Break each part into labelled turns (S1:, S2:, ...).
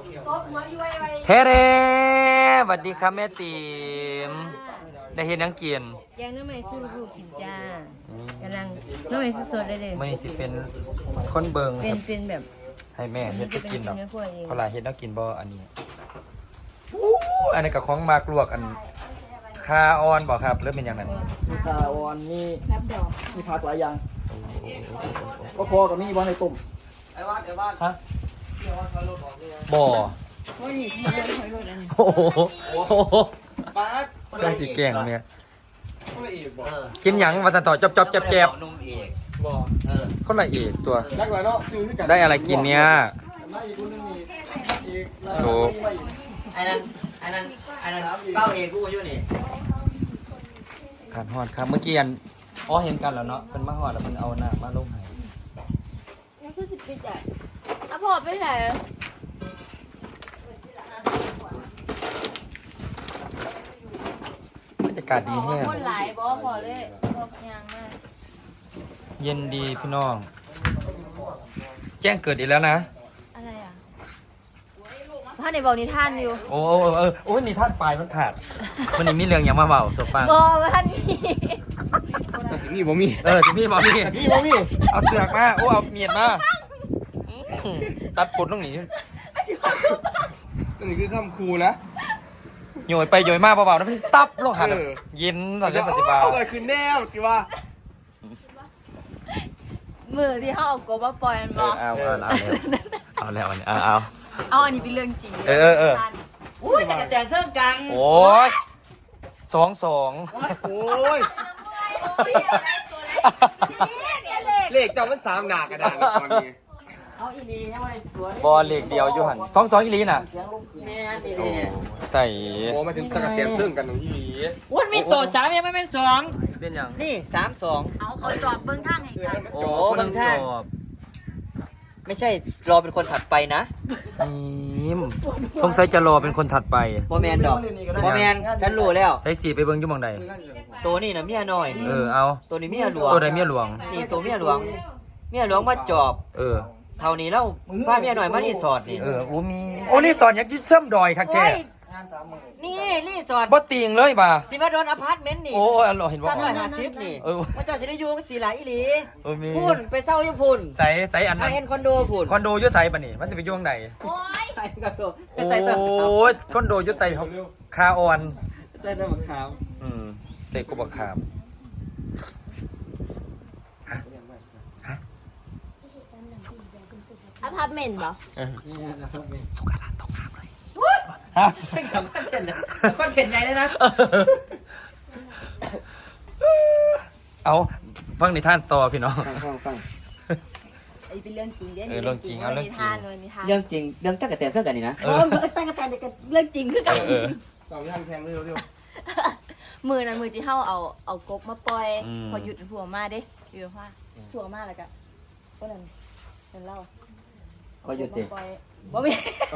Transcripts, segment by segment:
S1: เทเรสวัสดีครับแม่ติ๋มได้เห็นนังเกียน
S2: แกงน้ำมันสู้ลูกกินจ้ากำลังน้ำมันสดๆเลย
S1: ไม่สิเป็นคนเบิงครับ
S2: เป็นแบบ
S1: ให้แม่เฮ็ดไปกินดอกเพราะหลายเฮ็ดแล้วกินบ่อันนี้อันนี้กับของมากลวกอันคาออนบ่ครับเริ่มเป็นอย่างนั้น
S3: มีคาออนมีผักหลายอย่างก็พอกับมีบอลในตุ่ม
S1: ฮะบ่โอ้โหได้สิแกงเนี่ยกินหยังมาต่อจบแจบนุ่มเอกบ่คนละเอกตัวได้อะไรกินเนี่ยโถ
S4: ไอ้นั่นเป้าเอกกูอยู่นี่
S1: การฮอดครับเมื่อกี้อันเห็นกันแล้วเนาะเป็นมาฮอดแล้วมันเอาหน้ามาลงให้
S2: นี่คือ10 ปีจ้ะอ่ะพอไปไหน
S1: บรรยากาศดีแห้ง
S2: คนหลายบ่พอเลยบอกยางมาก
S1: เย็นดีพี่น้องแจ้งเกิดอีกแล้วนะ
S2: อะไรอ่ะพ่อในบอกนิทานอยู่
S1: โอ้นิทานปลายมันผ่านวันนี้มีเรื่องยังมาเบาสฟัง
S2: บอกว่าท่านนี้
S1: สิมีบ่มีสิมีบ่มีเอาเสือกมาเอาเมียดมาตัดปดตรงนี้
S3: นี่คือคำครูนะ
S1: โยยไปโยยมาเบาๆนะพี่ตับลงหันเย็นตอนเล่นปฏิบัติ
S3: เอาไปคืนแนวสิว่า
S2: มือที่เขาเอากบมาปล่อยมันบอก
S1: เอาแล้วอันนี้
S2: เอาอันนี้เป็นเรื่องจริง
S4: อุ้ยแต่เสื้อกัง
S1: โอ้ย2
S3: โอ้ยเลขจำมัน3หนากระดานตอนนี้
S4: เอาอีลีใช่ไหมตัวนี้
S1: บอลเลขเดียวอยู่หัน2อีลีน่ะ
S4: แม่นี่
S1: ใส่
S3: โอ้มาถึงตะกะแตนซึ่งกันของอีลี
S4: อุ้ยมีตัว3ยังไม่เป็น2
S1: เป็นยัง
S4: นี่3-2
S2: เอาเขาจอบเบิ้งทางให้กัน
S4: โอ้เบิ้งทางไม่ใช่รอเป็นคนถัดไปนะ
S1: สงสัยจะรอเป็นคนถัดไป
S4: โมแมนดอกโมแมนฉันรู้แล้ว
S1: ใส่สีไปเบิ้งยุ่งบังใด
S4: ตัวนี้นะเมียน้อยนี่
S1: เอา
S4: ตัวนี้เมียหลวง
S1: ตัวใดเมียหลวง
S4: นี่ตัวเมียหลวงมาจอบเท่านี้แล้วป้าเมียหน่อยมารีสอร์ทนี่
S1: รีสอร์ทอยากจิ้มเชื่อมดอยค่ะแก
S4: นี่รีสอร์ท
S1: บ่ติงเลยป่ะ
S4: สิมาโดนอพาร์ตเมนต์นี่
S1: เห็นว่า
S4: 350นี่ว่าเจ้าสิได้อยู่สีหลายอีหลี
S1: มี
S4: พุ่นไปเศร้าอยู่พุ่น
S1: ใส่อันนั้น
S4: คอนโดพุ่น
S1: คอนโดอยู่ใส่ป่ะนี่มันจะไปอยู่ไหน
S4: โอ้ย
S1: คอนโดอยู่ใต้คาออน
S4: ใต้ต้นมะขาม
S1: เตะกุบะขาม
S2: อพาร์ตเมนต์เหรอ
S1: สุขาราตกน้ำเลย
S4: คอนเทนต์ใหญ่เลยนะ
S1: เอาฟังนิทานต่อพี่น้อง
S3: ฟัง
S2: ไอ้เป็นเรื่องจริง
S1: เรื่องจริงเอาเรื่องจริง
S4: เรื่องจริงเรื่องตั้งแต่เสื้อกันนี่นะ
S2: ตั้งแต่เรื่องจริงคือกัน
S3: ต่อไม่ทันแทงเร็ว
S2: มือนั้นมือที่เฮาเอากบมาปล่อยพอหยุดผัวมาเด้อยู่ว่าผัวมาแล้วก็คนนั้นเป็นเล่า
S4: ก็หยุดดิ
S2: บ่มี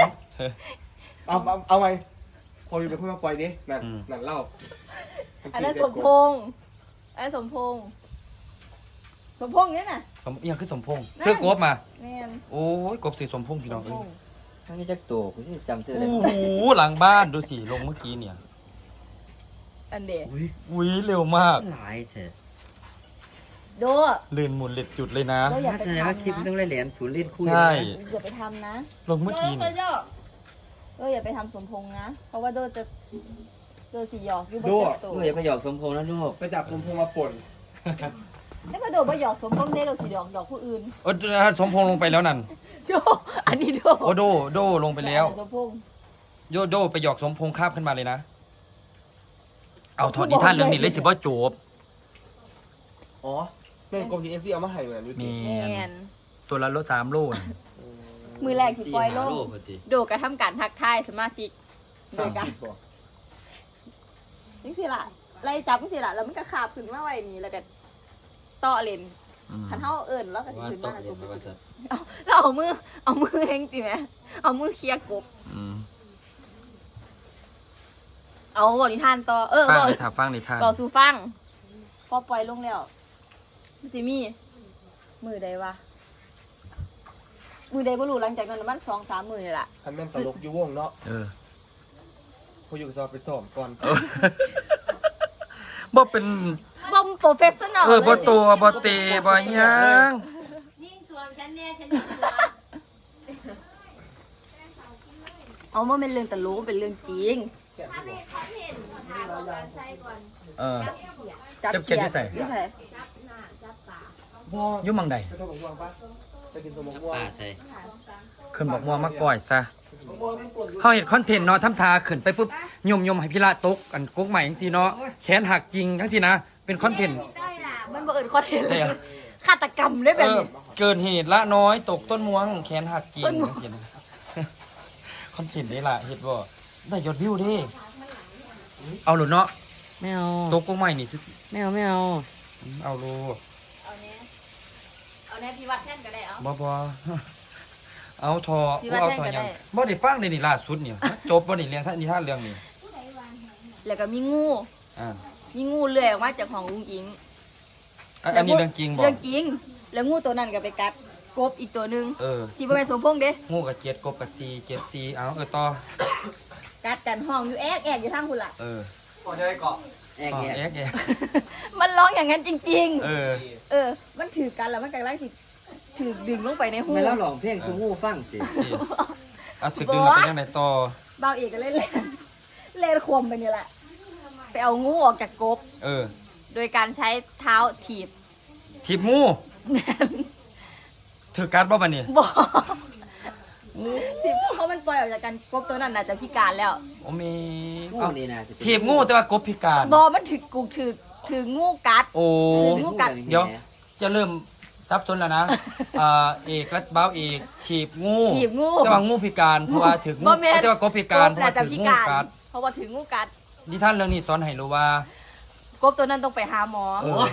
S3: เอาไงพออยู่เป็นคนมาปล่อยดินั่นเล่า
S2: อันนั้นสมพงษ์เนี่ยน่ะ
S1: ยังคือสมพงษ์ซื้อกบมา
S2: แม่น
S1: โอ้ยกบสีสมพงษ์พี่น้อง
S4: ทั้งนี้จักตัวกูสิจำซื้อได้
S1: โอ้โหหลังบ้านดูสิลงเมื่อกี้เนี่ย
S2: อันเดะ
S1: อุ้ยเร็วมาก
S4: หลายเถอะ
S2: โด
S1: ลื่นหมุนเล็ดจุดเลยนะ
S4: ถ้าแสดงว่าคลิปต้องเล่นเหรียญศูนย์เล่นคู่
S1: ใช่
S2: อย่าไปทำนะ
S1: ลงเมื่อกี้นี่
S2: อย่าไปทำสมพงษ์นะเพราะว่าโดสีหยอกอยู่บน
S4: ตัวอย่าไปหยอกสมพงษ์นะลูก
S3: ไปจับสมพงษ์มาป่น
S2: แล้วก็โดไปหยอกสมพงษ์ได้เราสีหยอกผู้อื่น
S1: สมพงษ์ลงไปแล้วนั่น
S2: อันนี้
S1: โดลงไปแล้วโดไปหยอกสมพงษ์คาบขึ้นมาเลยนะเอาถอดนิทานเรื่องนี้เลยสิว่าจบ
S3: แม่งกบทีเอฟซีเอามาให้เหมือน
S1: มีตัวละ3 โล
S2: มือแรกที่ปล่อยโลโดกระทำการทักทายสมาชิกโดยกันนี่สิล่ะไล่จับนี่สิล่ะแล้วมันก็ขาบขึ้นมาไว้นี่แล้วก็ต่อเลนขันเท้าเอิญแล้วก็ขึ้นมาเราเอามือเองจริงไหมเอามือเคลียร์กบเอาบอกนิทานต่อ
S1: ฟังนิทาน
S2: ต่อสู่ฟังพอปล่อยลงแล้วซิมี่มือใดวะมือใดบ่รู้หลังจากนั้นมัน2-3 มื้อนี่ล่ะ
S5: ทำแม่นตลกอยู่วงเนาะผู้อยู่สอบไปสอบก่อน
S1: บ่เป็น
S2: บ่โปรเฟสชั่นแนล
S1: บ่ตัวบ่เตะบ่หยัง
S6: ยิ่งชวนฉันเนี่ยฉันยิ่งชวน
S2: เอาบ่แม่นเรื่องตลกเป็นเรื่องจริง
S6: ถ้ามีคอนเทนต์ถามก่อนใส่ก่อน
S1: จับเขียดที่ใส่
S2: ที่ใส่
S6: จับหน้าจับปาก
S1: อยู่หม่องใด
S5: ไปต้องบอกว่าปะไปกินสมองว่า
S4: ป้าใส่
S1: ขึ้นบอกม่วงมาก่อยซะ
S3: ผมมองเป็นกลุ่มอยู่
S1: เฮาเฮ็ดคอนเทนต์เนาะทำทาขึ้นไปปุ๊บยมให้พี่ละตกอันกกใหม่จังซี่เนาะแขนหักจริงจังซี่นะ เป็นคอนเทนต์
S6: ได้ล่ะ
S2: มันบ่เอิ้นคอนเทนต์
S1: แต่
S2: ฆาตกรรมได้แบบนี้
S1: เกินเหตุละน้อยตกต้นม่วงแขนหักจริงจังซี่นะ คอนเทนต์นี่ล่ะเฮ็ดบ่ได้ยอดวิวเด้เอาโลดเนาะ
S4: ไม่เอา
S1: ตกกกใหม่นี่สิ
S4: ไม่เอาไม่เอา
S1: เอาโล
S2: เอาแน่พี่วัดแท่นก็ได้เอา
S1: บ่เอาทอ
S2: พี่ว่า
S1: เอา
S2: แท่ง
S1: ทอ
S2: ก็
S1: หยั
S2: ได้
S1: งบ่ได้ฟังเลยนี่ล่าสุดนี่จบบ่นี่เรื่องนิทานเรื่องนี้
S2: แล้วก็มีงู
S1: อ่า
S2: มีงูเลื้อยออกมาจากห้องอุ้งอิง
S1: อันนี้เรื่องจริงบ่
S2: เรื่องจริง แล้วงูตัวนั้นก็ไปกัดกบอีกตัวหนึง
S1: เออ
S2: ที่บ่แม่นสมพงษ์เด้
S1: งูกับเจ็ดกบกับ4 7 4เอาต่อ
S2: กัดกันห้องอยู่แอกอยู่ทางพุ่นล่ะ
S1: เออ
S5: ก่อนจะได้เกาะ
S4: แอก
S1: อ๋อ
S4: แอก
S1: แอกแอก
S2: มันร้องอย่างนั้นจริง
S1: เออ
S2: ๆ เออ มันถือกันแล้วมันกำลังสิถือดึงลงไปในหู
S4: ไม่แล้วร้องเพลงสูงูฟังติ
S1: นี่เอาถึกดึงแล้วเป็นยังไงต่อ
S2: บ่าวเอกก็เล่นเล่นควมไปนี่แหละ ไปเอางูออกจากกบ
S1: เออ
S2: โดยการใช้เท้าถีบ
S1: ถีบงูถือการบ่บัดนี้
S2: บอกถีบเพราะมันปล่อยออกจากกันกบตัวนั้นน่าจะพิการแล้ว
S1: โอ้มี
S4: งู
S1: เอา
S4: นี่นะจะเป็น
S1: ถีบงูแต่ว่ากบพิการ
S2: บอมันถืองูกัด
S1: โอ้
S2: งูกัด
S1: เดี๋ยวจะเริ่มซับซ้อนแล้วนะเอกและบ้าวเอกถีบงู
S2: ถีบงู
S1: แต่ว่างูพิการเพราะว่าถืองู
S2: บ่แม่น
S1: แต่ว่ากบพิการเพราะ
S2: น่า
S1: ว่า
S2: จะ
S1: ถือ
S2: พิ
S1: งู
S2: การ
S1: กัด
S2: เพราะว่าถืองูกัด
S1: นิทานเรื่องนี้สอนให้รู้ว่า
S2: กบตัวนั้นต้องไปหาหมอ
S1: เออ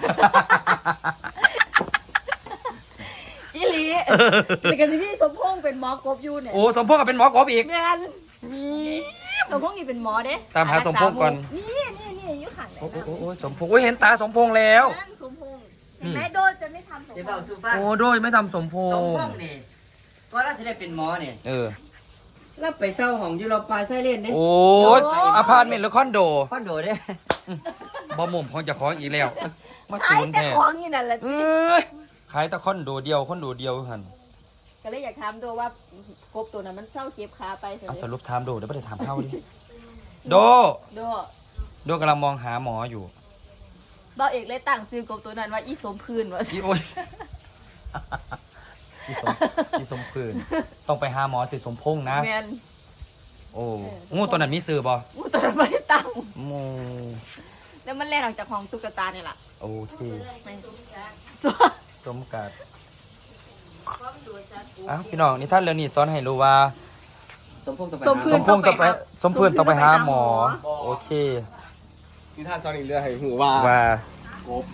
S2: อีหลีแต่กันที่พี่สมพงษ์เป็นหมอกบอยู่เนี่ย
S1: โอ้สมพงษ์ก็เป็นหมอกบอีก
S2: แม่นสมพงษ์นี่เป็นหมอเด้
S1: ตามหาสมพงษ์ก่อน
S2: นี่อยู่ข้างไหน
S1: โอ้โอ้โอ้สมพงษ์โอ้ยเห็นตาสมพงษ์แล้ว
S2: นั่นสมพงษ์เห็นไหมโดนจะไม่ทำสม
S4: เดี๋ยว
S2: พ
S4: เบาง
S2: ษ์
S4: สู้ฟัง
S1: โอ้โดยไม่ทำสมพ
S4: สม
S1: ง
S4: พ
S1: ษ์
S4: งษ์นี่ก็เราจะได้เป็นหมอเนี่ย
S1: เออ
S4: แล้วไปเศร้าของอยู่เราปลาไส้เล่นเนี่ย
S1: โอ้ยอพาร์ตเมนต์หรือคอนโด
S4: คอนโดเนี่ย
S1: บ่มุมของเจะของอีกแล้ว มา
S2: ขา
S1: ศู
S2: ย
S1: นย์
S2: แต่
S1: แท้
S2: ของนี่นั่นแหละ
S1: เอ้ยขายแต่คอนโดเดียวหัน
S2: ก็เลยอยากถามตัวว่ากบตัวนั้นมันเศร้าเจ็บขาไปใช่ไหม
S1: เอาสรุปถามโดเดี๋ยวไม่ได้ถามเข้าดิโด
S2: โด
S1: โดกำลังมองหาหมออยู่
S2: บ่าวเอกเลยตั้งซื้อกบตัวนั้นว่าอีสมพื้นว่า
S1: อีโอ้ยอีสมพื้นต้องไปหาหมอสิสมพงษ์นะ
S2: แมน
S1: โอ้งูตัวนั้นมีซื้อบ่
S2: งูตัวนั้นไม่ได้ตั้ง
S1: งู
S2: แล้วมันแล่นออกจากห้องตุ๊กตาเนี่ยแหละ
S1: โอเค
S2: แม่น
S1: สมกัดอ้าวพี่น้องนี่ท่านเรื่องนี้สอนให้รู้ว่า
S4: สมพงษ์ต้องไป
S2: สม
S4: หา
S2: พื้
S1: ส
S2: น
S1: มพงษ์ต้องไปสมพื้นต้องไปหาหมอ โอเค
S5: นิทานจอนี่เรือให้หูว่า
S1: ว่า
S5: กบ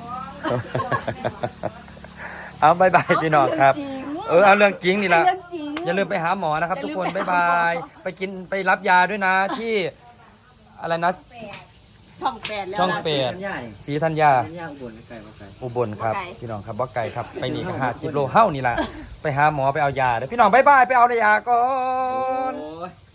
S1: เอาบายบายพี่น้องครับ เอาเรื่องจริงนี่ละ
S2: เรื่องจริง
S1: อย่าลืมไปหาหมอนะครับ ทุกคน
S2: อย่าลื
S1: บาม ย
S2: ไปหาหมอ
S1: บาย ไปกินไปรับยาด้วยนะที่อะไรนะ
S2: ช่องแปดแล้ว
S1: ช่อง
S2: ล่ะ
S1: แปด
S4: ธัญญานี่
S1: ศรีธัญญา
S4: ธัญญาอุบลไกลมาไกล
S1: อุบลครับ
S2: บ่ไกล
S1: พี่น้องครับบ่ไกลครับ ไปนี่ก็50 โลเฮ้านี่ล่ะ ไปหาหมอไปเอายาเด้อพี่น้องบายบายไปเอายาก่อน
S4: โอ้ย